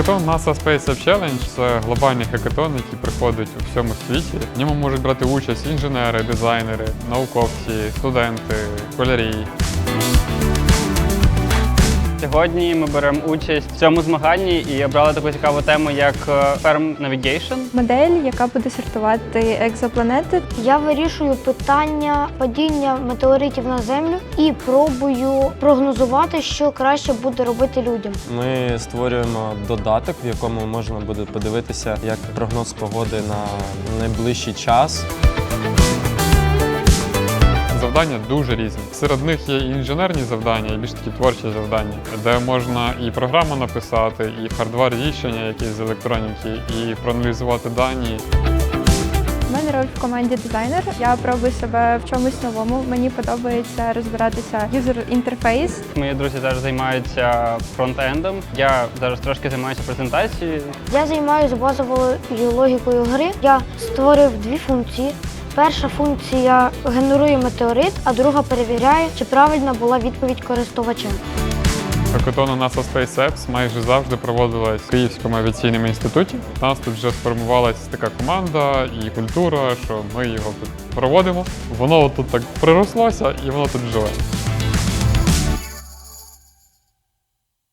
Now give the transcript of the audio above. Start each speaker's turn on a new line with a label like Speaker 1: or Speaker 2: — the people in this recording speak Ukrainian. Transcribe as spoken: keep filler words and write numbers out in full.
Speaker 1: Хакатон NASA Space App Challenge – це глобальний хакатон, який проходить у всьому світі. В ньому можуть брати участь інженери, дизайнери, науковці, студенти, школярі.
Speaker 2: Сьогодні ми беремо участь в цьому змаганні і обрали таку цікаву тему, як Firm Navigation.
Speaker 3: Модель, яка буде сортувати екзопланети.
Speaker 4: Я вирішую питання падіння метеоритів на Землю і пробую прогнозувати, що краще буде робити людям.
Speaker 5: Ми створюємо додаток, в якому можна буде подивитися, як прогноз погоди на найближчий час.
Speaker 1: Завдання дуже різні. Серед них є і інженерні завдання, і більш такі творчі завдання, де можна і програму написати, і хардвар рішення якісь з електроніки, і проаналізувати дані.
Speaker 3: У мене роль в команді дизайнер. Я пробую себе в чомусь новому. Мені подобається розбиратися юзер-інтерфейс.
Speaker 2: Мої друзі зараз займаються фронтендом. Я зараз трошки займаюся презентацією.
Speaker 4: Я займаюся базовою логікою гри. Я створив дві функції. Перша функція генерує метеорит, а друга перевіряє, чи правильна була відповідь користувача.
Speaker 1: Хакатон у NASA Space Apps майже завжди проводилась в Київському авіаційному інституті. У нас тут вже сформувалась така команда і культура, що ми його тут проводимо. Воно тут так прирослося і воно тут живе.